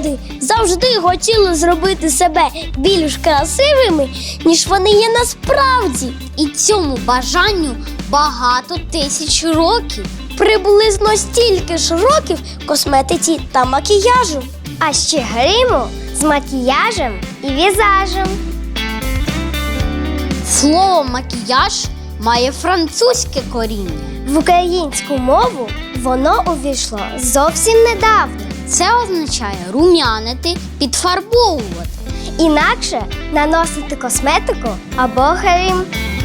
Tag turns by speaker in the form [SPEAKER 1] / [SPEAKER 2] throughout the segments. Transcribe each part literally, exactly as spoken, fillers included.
[SPEAKER 1] люди завжди хотіли зробити себе більш красивими, ніж вони є насправді.
[SPEAKER 2] І цьому бажанню багато тисяч років.
[SPEAKER 1] Приблизно стільки ж років косметиці та макіяжу.
[SPEAKER 3] А ще гриму з макіяжем і візажем.
[SPEAKER 2] Слово «макіяж» має французьке коріння.
[SPEAKER 3] В українську мову воно увійшло зовсім недавно.
[SPEAKER 2] Це означає рум'янити, підфарбовувати.
[SPEAKER 3] Інакше наносити косметику або грим.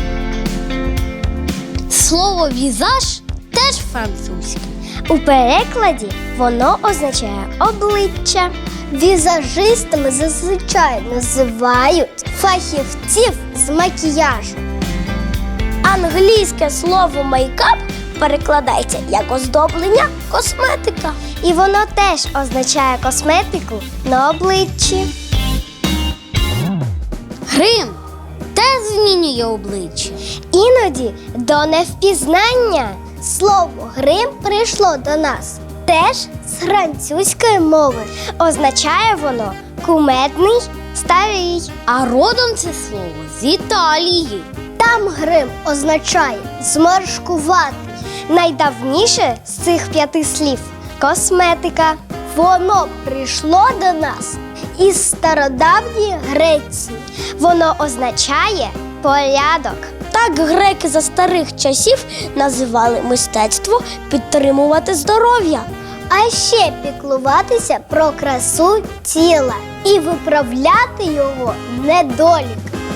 [SPEAKER 2] Слово «візаж» теж французьке.
[SPEAKER 3] У перекладі воно означає обличчя. Візажистами зазвичай називають фахівців з макіяжу.
[SPEAKER 1] Англійське слово «мейкап» перекладається як оздоблення, косметика.
[SPEAKER 3] І воно теж означає косметику на обличчі.
[SPEAKER 2] Грим теж змінює обличчя.
[SPEAKER 3] Іноді до невпізнання слово «грим» прийшло до нас теж з французької мови. Означає воно «кумедний, старий».
[SPEAKER 2] А родом це слово з Італії.
[SPEAKER 3] Там грим означає «зморшкуватий». Найдавніше з цих п'яти слів – косметика. Воно прийшло до нас із стародавньої Греції. Воно означає порядок.
[SPEAKER 1] Так греки за старих часів називали мистецтво підтримувати здоров'я.
[SPEAKER 3] А ще піклуватися про красу тіла і виправляти його недолік.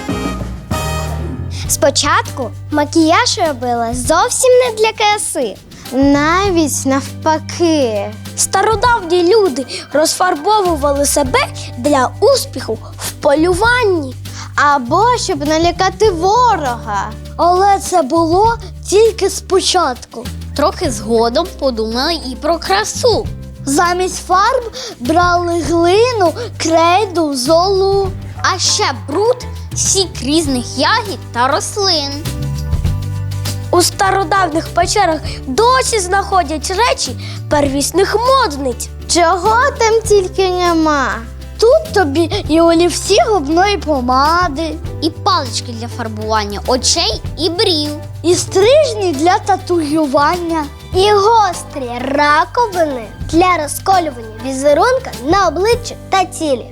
[SPEAKER 3] Спочатку макіяж робила зовсім не для краси. Навіть навпаки.
[SPEAKER 1] Стародавні люди розфарбовували себе для успіху в полюванні.
[SPEAKER 3] Або щоб налякати ворога.
[SPEAKER 1] Але це було тільки спочатку.
[SPEAKER 2] Трохи згодом подумали і про красу.
[SPEAKER 1] Замість фарб брали глину, крейду, золу.
[SPEAKER 2] А ще бруд, сік різних ягід та рослин.
[SPEAKER 1] У стародавніх печерах досі знаходять речі первісних модниць.
[SPEAKER 3] Чого там тільки нема.
[SPEAKER 1] Тут тобі і олівці губної помади,
[SPEAKER 2] І палички для фарбування очей і брів.
[SPEAKER 1] і стрижні для татуювання.
[SPEAKER 3] І гострі раковини для розколювання візерунка на обличчі та тілі.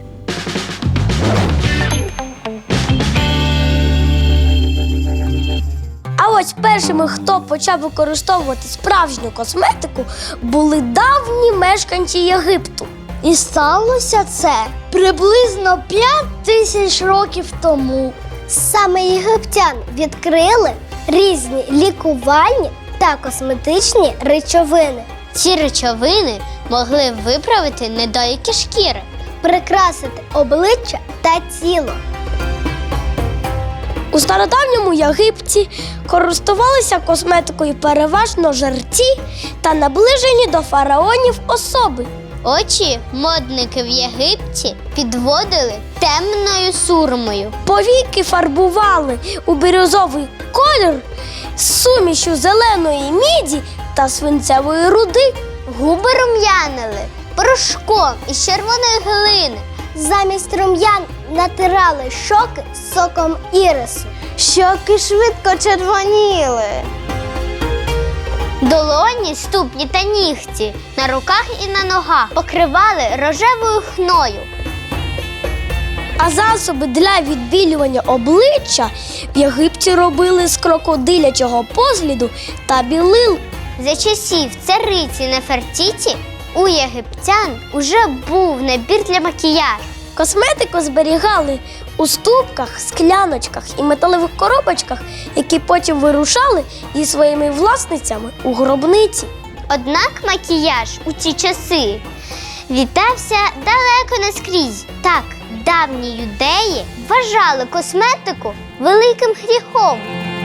[SPEAKER 1] А ось першими, хто почав використовувати справжню косметику, були давні мешканці Єгипту. І сталося це приблизно п'ять тисяч років тому.
[SPEAKER 3] Саме єгиптяни відкрили різні лікувальні та косметичні речовини.
[SPEAKER 2] Ці речовини могли виправити недоліки шкіри.
[SPEAKER 3] Прикрасити обличчя та тіло.
[SPEAKER 1] У стародавньому Єгипті користувалися косметикою переважно жерці та наближені до фараонів особи.
[SPEAKER 2] Очі модники в Єгипті підводили темною сурмою.
[SPEAKER 1] Повіки фарбували у бірюзовий колір з сумішю зеленої міді та свинцевої руди.
[SPEAKER 3] Губи рум'янили порошком із червоної глини. Замість рум'ян натирали щоки соком ірису. Щоки швидко червоніли.
[SPEAKER 2] Долоні, ступні та нігті на руках і на ногах покривали рожевою хною.
[SPEAKER 1] А засоби для відбілювання обличчя в Єгипті робили з крокодилячого позліду та білил.
[SPEAKER 2] За часів цариці Нефертіті у єгиптян уже був набір для макіяжу.
[SPEAKER 1] Косметику зберігали у ступках, скляночках і металевих коробочках, які потім вирушали зі своїми власницями у гробниці.
[SPEAKER 2] Однак макіяж у ці часи вітався далеко не скрізь. Так, давні юдеї вважали косметику великим гріхом.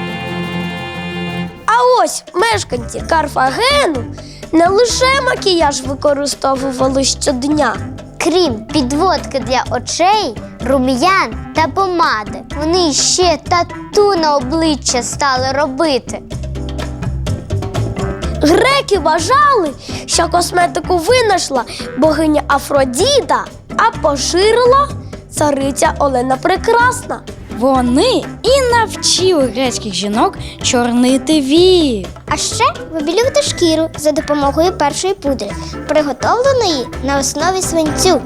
[SPEAKER 1] А ось мешканці Карфагену не лише макіяж використовували щодня.
[SPEAKER 2] Крім підводки для очей, рум'ян та помади, вони ще тату на обличчя стали робити.
[SPEAKER 1] Греки вважали, що косметику винайшла богиня Афродіта, а поширила цариця Олена Прекрасна.
[SPEAKER 4] Вони і навчили грецьких жінок чорнити вії.
[SPEAKER 3] А ще вибілювати шкіру за допомогою першої пудри, приготовленої на основі свинцю.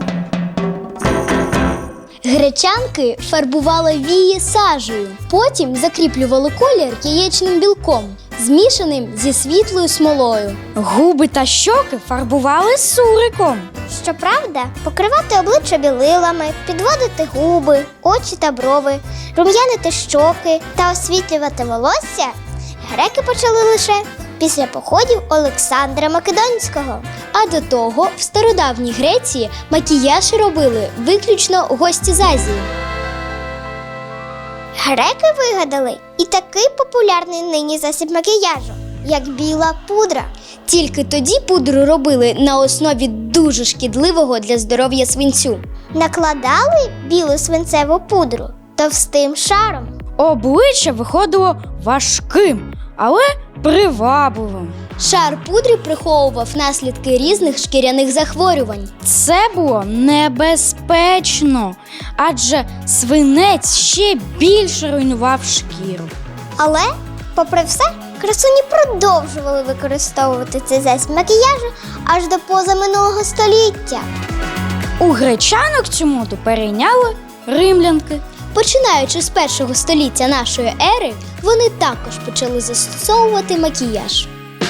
[SPEAKER 3] Гречанки фарбували вії сажею, потім закріплювали колір яєчним білком, змішаним зі світлою смолою.
[SPEAKER 4] Губи та щоки фарбували суриком.
[SPEAKER 3] Щоправда, покривати обличчя білилами, підводити губи, очі та брови, рум'янити щоки та освітлювати волосся греки почали лише після походів Олександра Македонського. А до того в стародавній Греції макіяж робили виключно гості з Азії. Греки вигадали і такий популярний нині засіб макіяжу, як біла пудра. Тільки тоді пудру робили на основі дуже шкідливого для здоров'я свинцю. Накладали білу свинцеву пудру товстим шаром.
[SPEAKER 4] Обличчя виходило важким, але привабливим.
[SPEAKER 3] Шар пудри приховував наслідки різних шкіряних захворювань.
[SPEAKER 4] Це було небезпечно, адже свинець ще більше руйнував шкіру.
[SPEAKER 3] Але, попри все, красуні продовжували використовувати цей засіб макіяжу аж до позаминулого століття.
[SPEAKER 4] У гречанок цю моду перейняли римлянки.
[SPEAKER 3] Починаючи з першого століття нашої ери, вони також почали застосовувати макіяж.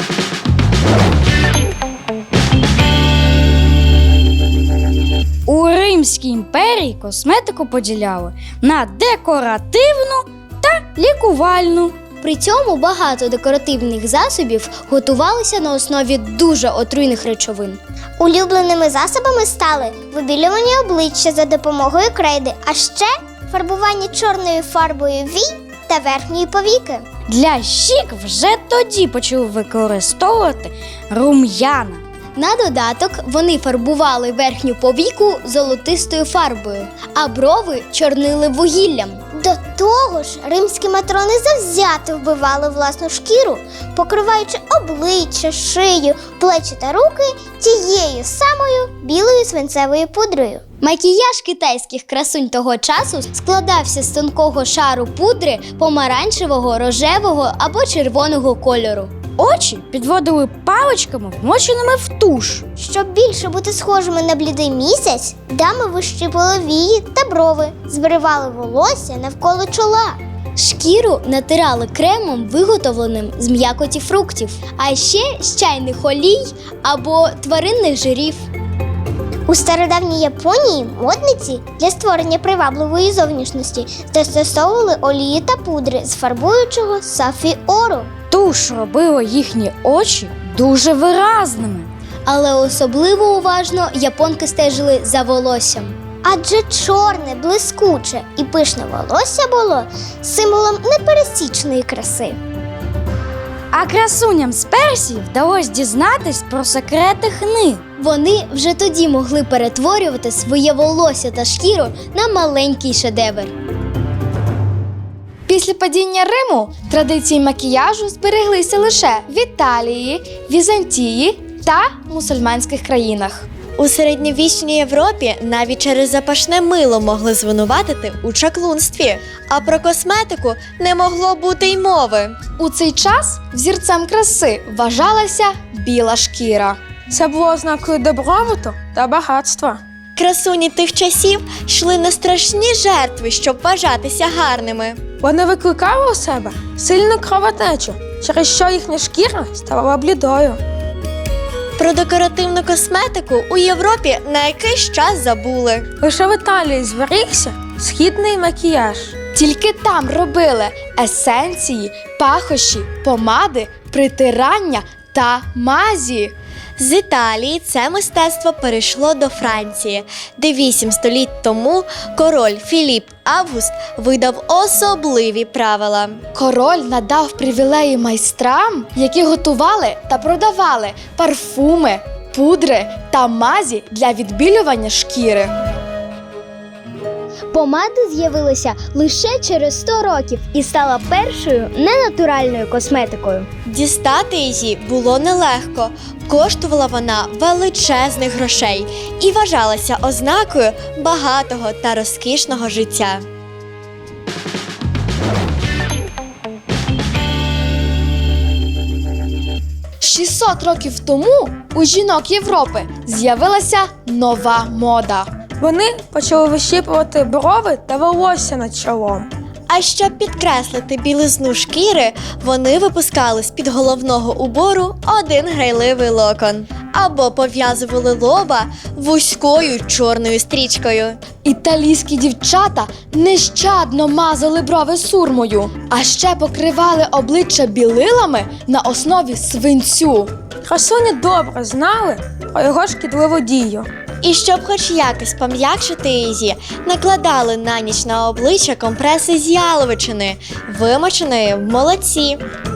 [SPEAKER 4] У Римській імперії косметику поділяли на декоративну та лікувальну.
[SPEAKER 3] При цьому багато декоративних засобів готувалися на основі дуже отруйних речовин. Улюбленими засобами стали вибілювання обличчя за допомогою крейди, а ще фарбування чорною фарбою вій та верхньої повіки.
[SPEAKER 4] Для щік вже тоді почали використовувати рум'яна.
[SPEAKER 3] На додаток вони фарбували верхню повіку золотистою фарбою, а брови чорнили вугіллям. До того ж, римські матрони завзято вбивали власну шкіру, покриваючи обличчя, шию, плечі та руки тією самою білою свинцевою пудрою. Макіяж китайських красунь того часу складався з тонкого шару пудри помаранчевого, рожевого або червоного кольору.
[SPEAKER 4] Очі підводили паличками, вмоченими в туш.
[SPEAKER 3] Щоб більше бути схожими на блідий місяць, дами вищипали вії та брови, збривали волосся навколо чола. Шкіру натирали кремом, виготовленим з м'якоті фруктів, а ще з чайних олій або тваринних жирів. У стародавній Японії модниці для створення привабливої зовнішності застосовували олії та пудри з фарбуючого сафіору.
[SPEAKER 4] Туш робила їхні очі дуже виразними.
[SPEAKER 3] Але особливо уважно японки стежили за волоссям. Адже чорне, блискуче і пишне волосся було символом непересічної краси.
[SPEAKER 4] А красуням з Персії вдалося дізнатись про секрети хни.
[SPEAKER 3] Вони вже тоді могли перетворювати своє волосся та шкіру на маленький шедевр.
[SPEAKER 5] Після падіння Риму традиції макіяжу збереглися лише в Італії, Візантії та мусульманських країнах.
[SPEAKER 6] У середньовічній Європі навіть через запашне мило могли звинуватити у чаклунстві, а про косметику не могло бути й мови.
[SPEAKER 5] У цей час взірцем краси вважалася біла шкіра.
[SPEAKER 7] Це було ознакою добробуту та багатства.
[SPEAKER 6] Красуні тих часів йшли на страшні жертви, щоб вважатися гарними.
[SPEAKER 7] Вони викликали у себе сильну кровотечу, через що їхня шкіра ставала блідою.
[SPEAKER 6] Про декоративну косметику у Європі на якийсь час забули.
[SPEAKER 7] Лише в Італії зберігся східний макіяж.
[SPEAKER 5] Тільки там робили есенції, пахощі, помади, притирання та мазі.
[SPEAKER 6] З Італії це мистецтво перейшло до Франції, де вісім століть тому король Філіп Август видав особливі правила.
[SPEAKER 5] Король надав привілеї майстрам, які готували та продавали парфуми, пудри та мазі для відбілювання шкіри.
[SPEAKER 3] Помада з'явилася лише через сто років і стала першою ненатуральною косметикою.
[SPEAKER 6] Дістати її було нелегко. Коштувала вона величезних грошей і вважалася ознакою багатого та розкішного життя.
[SPEAKER 5] шістсот років тому у жінок Європи з'явилася нова мода.
[SPEAKER 7] Вони почали вищіпувати брови та волосся над чолом.
[SPEAKER 6] А щоб підкреслити білизну шкіри, вони випускали з-під головного убору один грайливий локон. Або пов'язували лоба вузькою чорною стрічкою.
[SPEAKER 5] Італійські дівчата нещадно мазали брови сурмою, а ще покривали обличчя білилами на основі свинцю.
[SPEAKER 7] Красуні добре знали про його шкідливу дію.
[SPEAKER 6] І щоб хоч якось пом'якшити її, накладали на ніч на обличчя компреси з яловичини, вимоченої в молоці.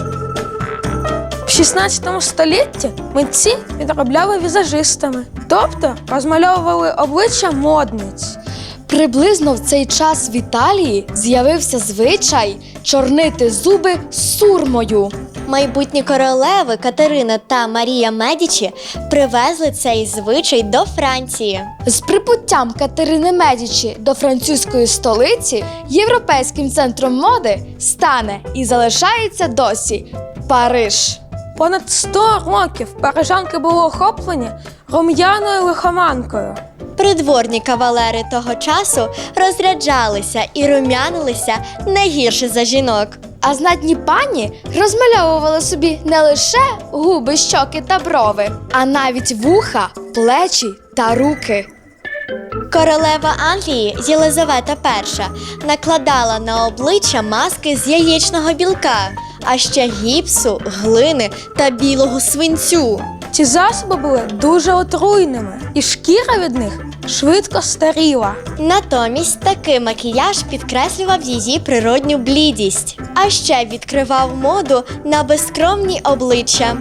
[SPEAKER 7] В шістнадцятому столітті митці підробляли візажистами, тобто розмальовували обличчя модниць.
[SPEAKER 5] Приблизно в цей час в Італії з'явився звичай чорнити зуби сурмою.
[SPEAKER 6] Майбутні королеви Катерина та Марія Медічі привезли цей звичай до Франції.
[SPEAKER 5] З прибуттям Катерини Медічі до французької столиці європейським центром моди стане і залишається досі Париж.
[SPEAKER 7] Понад сто років парижанки були охоплені рум'яною лихоманкою.
[SPEAKER 6] Придворні кавалери того часу розряджалися і рум'янилися не гірше за жінок.
[SPEAKER 5] А знатні пані розмальовували собі не лише губи, щоки та брови, а навіть вуха, плечі та руки.
[SPEAKER 6] Королева Англії Єлизавета Перша накладала на обличчя маски з яєчного білка, а ще гіпсу, глини та білого свинцю.
[SPEAKER 7] Ці засоби були дуже отруйними, і шкіра від них швидко старіла.
[SPEAKER 6] Натомість такий макіяж підкреслював її природню блідість, а ще відкривав моду на безскромні обличчя.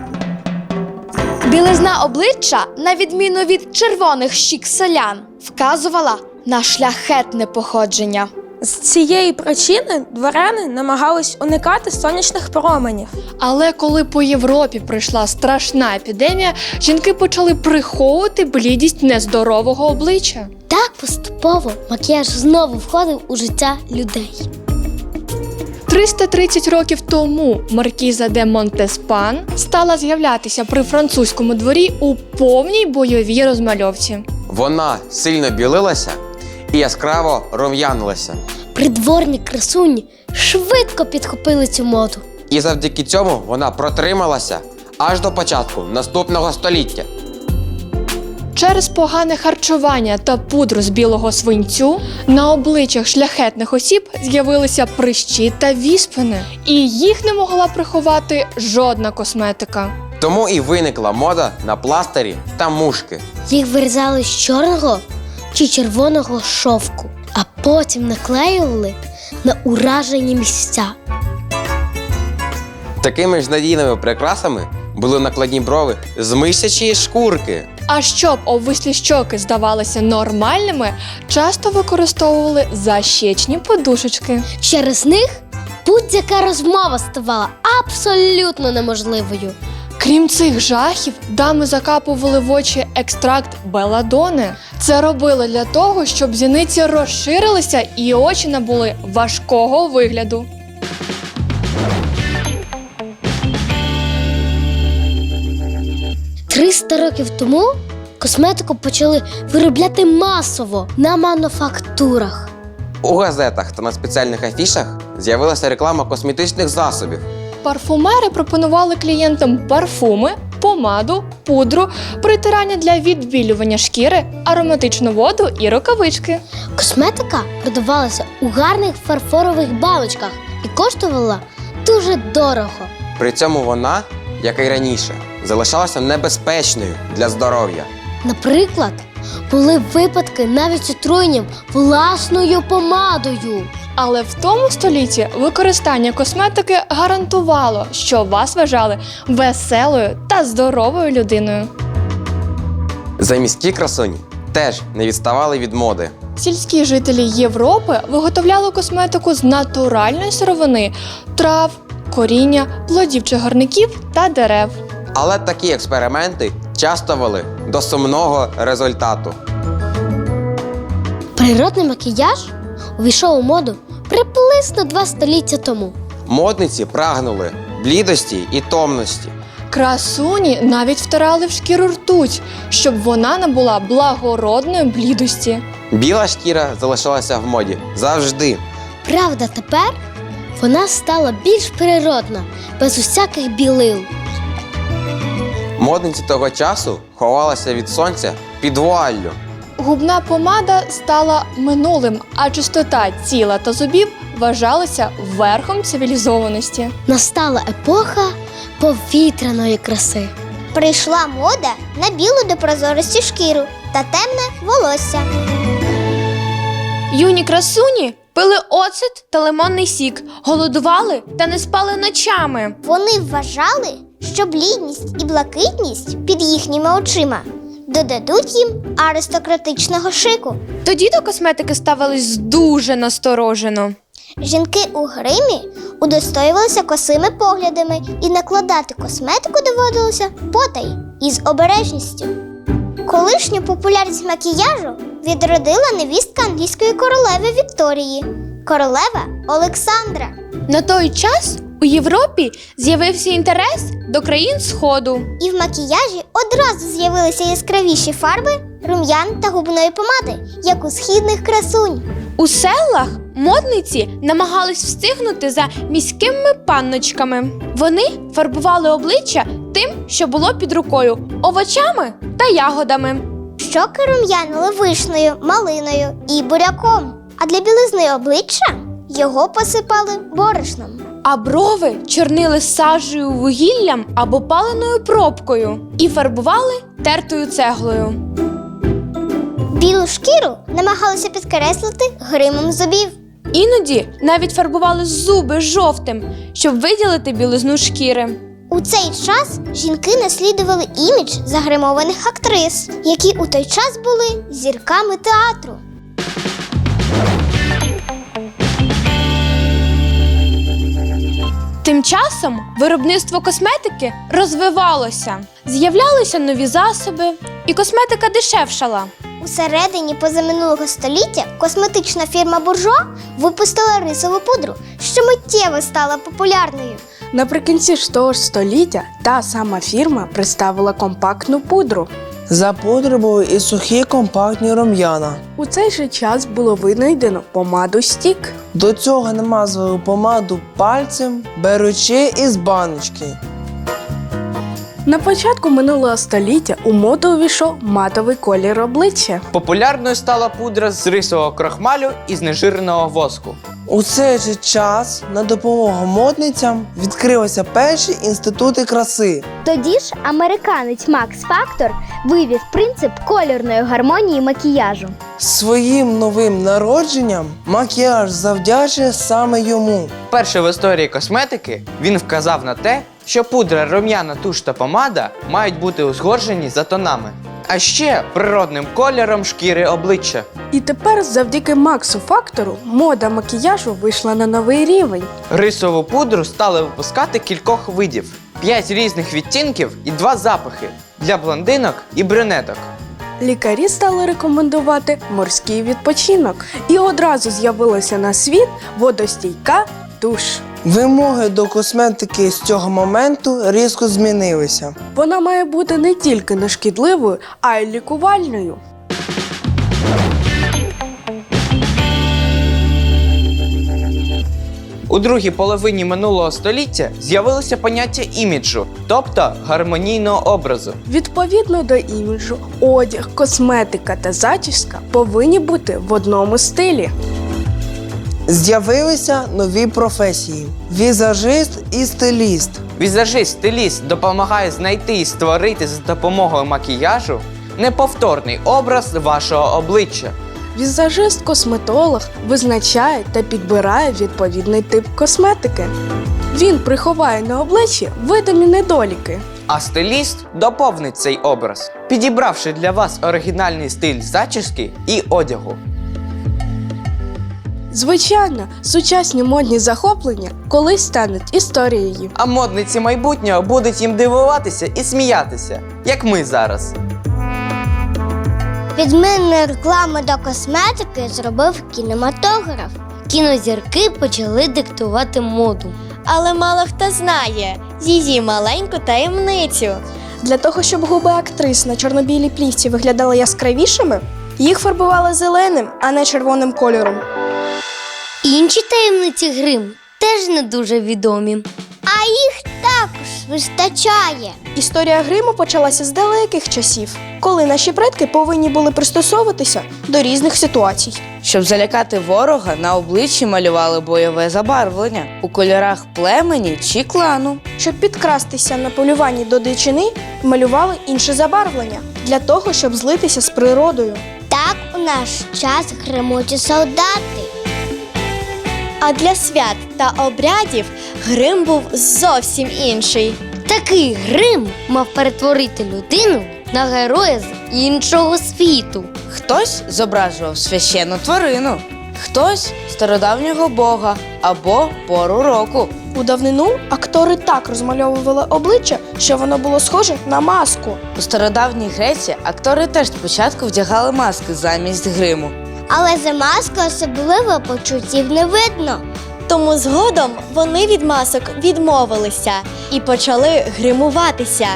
[SPEAKER 5] Білизна обличчя, на відміну від червоних щік селян, вказувала на шляхетне походження.
[SPEAKER 7] З цієї причини дворяни намагались уникати сонячних променів.
[SPEAKER 8] Але коли по Європі прийшла страшна епідемія, жінки почали приховувати блідість нездорового обличчя.
[SPEAKER 1] Так поступово макіяж знову входив у життя людей.
[SPEAKER 8] триста тридцять років тому маркіза де Монтеспан стала з'являтися при французькому дворі у повній бойовій розмальовці.
[SPEAKER 9] Вона сильно білилася і яскраво рум'янилася.
[SPEAKER 1] Придворні красуні швидко підхопили цю моду.
[SPEAKER 9] І завдяки цьому вона протрималася аж до початку наступного століття.
[SPEAKER 8] Через погане харчування та пудру з білого свинцю на обличчях шляхетних осіб з'явилися прищі та віспини. І їх не могла приховати жодна косметика.
[SPEAKER 9] Тому і виникла мода на пластирі та мушки.
[SPEAKER 1] Їх вирізали з чорного чи червоного шовку, а потім наклеювали на уражені місця.
[SPEAKER 9] Такими ж надійними прикрасами були накладні брови з мишячої шкурки.
[SPEAKER 8] А щоб обвислі щоки здавалися нормальними, часто використовували защечні подушечки.
[SPEAKER 1] Через них будь-яка розмова ставала абсолютно неможливою.
[SPEAKER 8] Крім цих жахів, дами закапували в очі екстракт беладони. Це робили для того, щоб зіниці розширилися і очі набули важкого вигляду.
[SPEAKER 1] триста років тому косметику почали виробляти масово на мануфактурах.
[SPEAKER 9] У газетах та на спеціальних афішах з'явилася реклама косметичних засобів.
[SPEAKER 8] Парфумери пропонували клієнтам парфуми, помаду, пудру, притирання для відбілювання шкіри, ароматичну воду і рукавички.
[SPEAKER 1] Косметика продавалася у гарних фарфорових баночках і коштувала дуже дорого.
[SPEAKER 9] При цьому вона, як і раніше, залишалася небезпечною для здоров'я.
[SPEAKER 1] Наприклад, були випадки навіть з отруєнням власною помадою.
[SPEAKER 8] Але в тому столітті використання косметики гарантувало, що вас вважали веселою та здоровою людиною.
[SPEAKER 9] Заміські красуні теж не відставали від моди.
[SPEAKER 8] Сільські жителі Європи виготовляли косметику з натуральної сировини, трав, коріння, плодів чагарників та дерев.
[SPEAKER 9] Але такі експерименти часто вели до сумного результату.
[SPEAKER 1] Природний макіяж увійшов у моду приблизно два століття тому.
[SPEAKER 9] Модниці прагнули блідості і томності.
[SPEAKER 8] Красуні навіть втирали в шкіру ртуть, щоб вона набула благородної блідості.
[SPEAKER 9] Біла шкіра залишалася в моді завжди.
[SPEAKER 1] Правда, тепер вона стала більш природна, без усяких білил.
[SPEAKER 9] Модниці того часу ховалися від сонця під вуаллю.
[SPEAKER 8] Губна помада стала минулим, а чистота тіла та зубів вважалася верхом цивілізованості.
[SPEAKER 1] Настала епоха повітряної краси.
[SPEAKER 3] Прийшла мода на білу до прозорості шкіру та темне волосся.
[SPEAKER 10] Юні красуні пили оцет та лимонний сік, голодували та не спали ночами.
[SPEAKER 3] Вони вважали, що блідність і блакитність під їхніми очима додадуть їм аристократичного шику.
[SPEAKER 10] Тоді до косметики ставились дуже насторожено.
[SPEAKER 3] Жінки у гримі удостоювалися косими поглядами, і накладати косметику доводилося потай із обережністю. Колишню популярність макіяжу відродила невістка англійської королеви Вікторії – королева Олександра.
[SPEAKER 10] На той час у Європі з'явився інтерес до країн Сходу.
[SPEAKER 3] І в макіяжі одразу з'явилися яскравіші фарби, рум'ян та губної помади, як у східних красунь.
[SPEAKER 10] У селах модниці намагались встигнути за міськими панночками. Вони фарбували обличчя тим, що було під рукою – овочами та ягодами.
[SPEAKER 3] Щоки рум'янили вишнею, малиною і буряком, а для білизни обличчя його посипали борошном.
[SPEAKER 10] А брови чорнили сажею, вугіллям або паленою пробкою і фарбували тертою цеглою.
[SPEAKER 3] Білу шкіру намагалися підкреслити гримом зубів.
[SPEAKER 10] Іноді навіть фарбували зуби жовтим, щоб виділити білизну шкіри.
[SPEAKER 3] У цей час жінки наслідували імідж загримованих актрис, які у той час були зірками театру.
[SPEAKER 10] Тим часом виробництво косметики розвивалося. З'являлися нові засоби, і косметика дешевшала.
[SPEAKER 3] У середині позаминулого століття косметична фірма «Буржуа» випустила рисову пудру, що миттєво стала популярною.
[SPEAKER 11] Наприкінці ж того ж століття та сама фірма представила компактну пудру.
[SPEAKER 12] За пудрою були і сухі компактні рум'яна.
[SPEAKER 11] У цей же час було винайдено помаду стік.
[SPEAKER 12] До цього намазували помаду пальцем, беручи із баночки.
[SPEAKER 11] На початку минулого століття у моду увійшов матовий колір обличчя.
[SPEAKER 13] Популярною стала пудра з рисового крохмалю і знежиреного воску.
[SPEAKER 12] У цей же час на допомогу модницям відкрилися перші інститути краси.
[SPEAKER 2] Тоді ж американець Макс Фактор вивів принцип кольорної гармонії макіяжу.
[SPEAKER 12] Своїм новим народженням макіяж завдячує саме йому.
[SPEAKER 13] Вперше в історії косметики він вказав на те, що пудра, рум'яна, туш та помада мають бути узгоджені за тонами, а ще природним кольором шкіри обличчя.
[SPEAKER 11] І тепер завдяки Максу Фактору мода макіяжу вийшла на новий рівень.
[SPEAKER 13] Рисову пудру стали випускати кількох видів, п'ять різних відтінків і два запахи для блондинок і брюнеток.
[SPEAKER 11] Лікарі стали рекомендувати морський відпочинок. І одразу з'явилася на світ водостійка туш.
[SPEAKER 12] Вимоги до косметики з цього моменту різко змінилися.
[SPEAKER 11] Вона має бути не тільки нешкідливою, а й лікувальною.
[SPEAKER 13] У другій половині минулого століття з'явилося поняття іміджу, тобто гармонійного образу.
[SPEAKER 11] Відповідно до іміджу, одяг, косметика та зачіска повинні бути в одному стилі.
[SPEAKER 12] З'явилися нові професії – візажист і стиліст.
[SPEAKER 13] Візажист-стиліст допомагає знайти і створити за допомогою макіяжу неповторний образ вашого обличчя.
[SPEAKER 11] Візажист-косметолог визначає та підбирає відповідний тип косметики. Він приховає на обличчі видимі недоліки.
[SPEAKER 13] А стиліст доповнить цей образ, підібравши для вас оригінальний стиль зачіски і одягу.
[SPEAKER 11] Звичайно, сучасні модні захоплення колись стануть історією.
[SPEAKER 13] А модниці майбутнього будуть їм дивуватися і сміятися, як ми зараз.
[SPEAKER 2] Відмінну рекламу до косметики зробив кінематограф.
[SPEAKER 1] Кінозірки почали диктувати моду.
[SPEAKER 6] Але мало хто знає її маленьку таємницю.
[SPEAKER 5] Для того, щоб губи актрис на чорно-білій плівці виглядали яскравішими, їх фарбували зеленим, а не червоним кольором.
[SPEAKER 1] Інші таємниці гриму теж не дуже відомі.
[SPEAKER 2] А їх також вистачає.
[SPEAKER 5] Історія гриму почалася з далеких часів, коли наші предки повинні були пристосовуватися до різних ситуацій.
[SPEAKER 14] Щоб залякати ворога, на обличчі малювали бойове забарвлення у кольорах племені чи клану.
[SPEAKER 5] Щоб підкрастися на полюванні до дичини, малювали інше забарвлення для того, щоб злитися з природою.
[SPEAKER 2] Так у наш час гримуть і солдати.
[SPEAKER 6] А для свят та обрядів грим був зовсім інший.
[SPEAKER 1] Такий грим мав перетворити людину на героя з іншого світу.
[SPEAKER 14] Хтось зображував священну тварину, хтось стародавнього бога або пору року.
[SPEAKER 5] У давнину актори так розмальовували обличчя, що воно було схоже на маску.
[SPEAKER 14] У стародавній Греції актори теж спочатку вдягали маски замість гриму.
[SPEAKER 2] Але за маскою особливо почуттів не видно.
[SPEAKER 6] Тому згодом вони від масок відмовилися і почали гримуватися.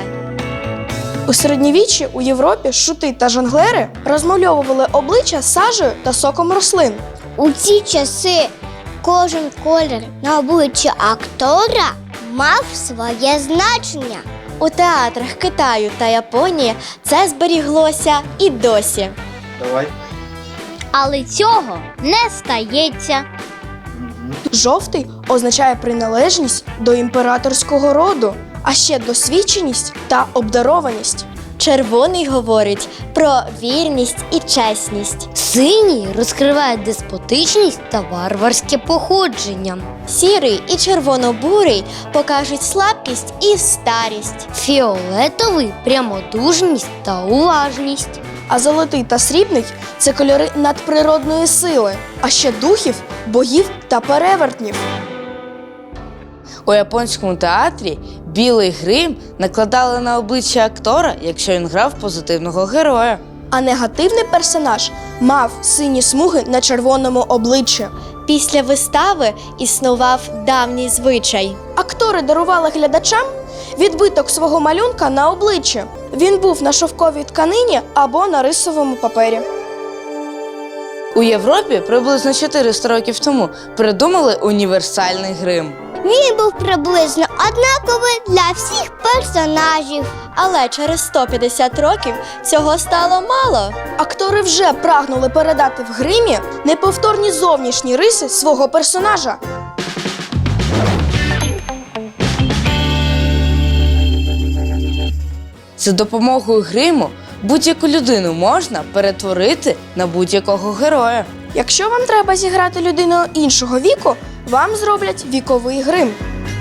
[SPEAKER 5] У середньовіччі у Європі шути та жонглери розмальовували обличчя сажею та соком рослин.
[SPEAKER 2] У ці часи кожен колір на обличчі актора мав своє значення.
[SPEAKER 6] У театрах Китаю та Японії це зберіглося і досі.
[SPEAKER 13] Давай.
[SPEAKER 2] Але цього не стається.
[SPEAKER 5] Жовтий означає приналежність до імператорського роду, а ще досвідченість та обдарованість.
[SPEAKER 6] Червоний говорить про вірність і чесність.
[SPEAKER 1] Синій розкриває деспотичність та варварське походження.
[SPEAKER 6] Сірий і червоно-бурий покажуть слабкість і старість.
[SPEAKER 1] Фіолетовий – прямодужність та уважність.
[SPEAKER 5] А золотий та срібний – це кольори надприродної сили, а ще духів, богів та перевертнів.
[SPEAKER 14] У японському театрі білий грим накладали на обличчя актора, якщо він грав позитивного героя.
[SPEAKER 5] А негативний персонаж мав сині смуги на червоному обличчі.
[SPEAKER 6] Після вистави існував давній звичай.
[SPEAKER 5] Актори дарували глядачам відбиток свого малюнка на обличчі. Він був на шовковій тканині або на рисовому папері.
[SPEAKER 14] У Європі приблизно чотириста років тому придумали універсальний грим.
[SPEAKER 2] Він був приблизно однаковий для всіх персонажів.
[SPEAKER 6] Але через сто п'ятдесят років цього стало мало.
[SPEAKER 5] Актори вже прагнули передати в гримі неповторні зовнішні риси свого персонажа.
[SPEAKER 14] За допомогою гриму будь-яку людину можна перетворити на будь-якого героя.
[SPEAKER 5] Якщо вам треба зіграти людину іншого віку, вам зроблять віковий грим.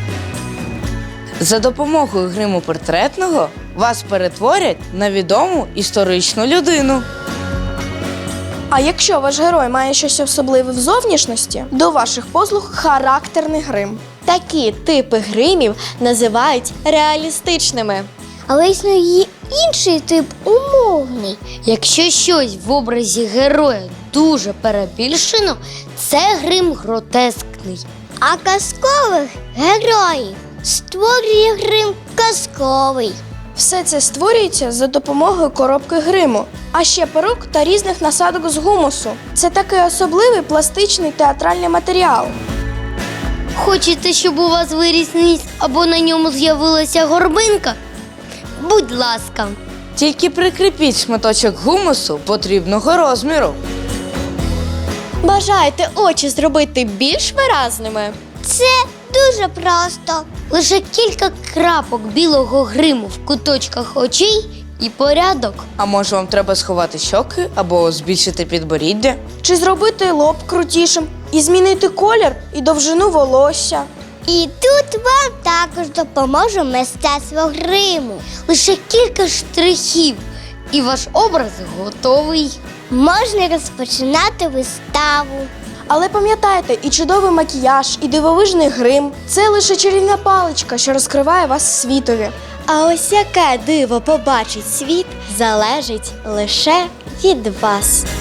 [SPEAKER 14] За допомогою гриму портретного вас перетворять на відому історичну людину.
[SPEAKER 5] А якщо ваш герой має щось особливе в зовнішності, до ваших послуг характерний грим.
[SPEAKER 6] Такі типи гримів називають реалістичними.
[SPEAKER 2] Але існує інший тип умовний.
[SPEAKER 1] Якщо щось в образі героя дуже перебільшено, це грим гротескний.
[SPEAKER 2] А казкових героїв створює грим казковий.
[SPEAKER 5] Все це створюється за допомогою коробки гриму, а ще перук та різних насадок з гумусу. Це такий особливий пластичний театральний матеріал.
[SPEAKER 1] Хочете, щоб у вас виріс ніс або на ньому з'явилася горбинка? Будь ласка.
[SPEAKER 14] Тільки прикріпіть шматочок гумусу потрібного розміру.
[SPEAKER 6] Бажаєте очі зробити більш виразними?
[SPEAKER 2] Це дуже просто.
[SPEAKER 1] Лише кілька крапок білого гриму в куточках очей і порядок.
[SPEAKER 14] А може вам треба сховати щоки або збільшити підборіддя?
[SPEAKER 5] Чи зробити лоб крутішим і змінити колір і довжину волосся.
[SPEAKER 2] І тут вам також допоможе мистецтво гриму.
[SPEAKER 1] Лише кілька штрихів, і ваш образ готовий.
[SPEAKER 2] Можна розпочинати виставу.
[SPEAKER 7] Але пам'ятайте, і чудовий макіяж, і дивовижний грим – це лише чарівна паличка, що розкриває вас світові.
[SPEAKER 6] А ось яке диво побачить світ, залежить лише від вас.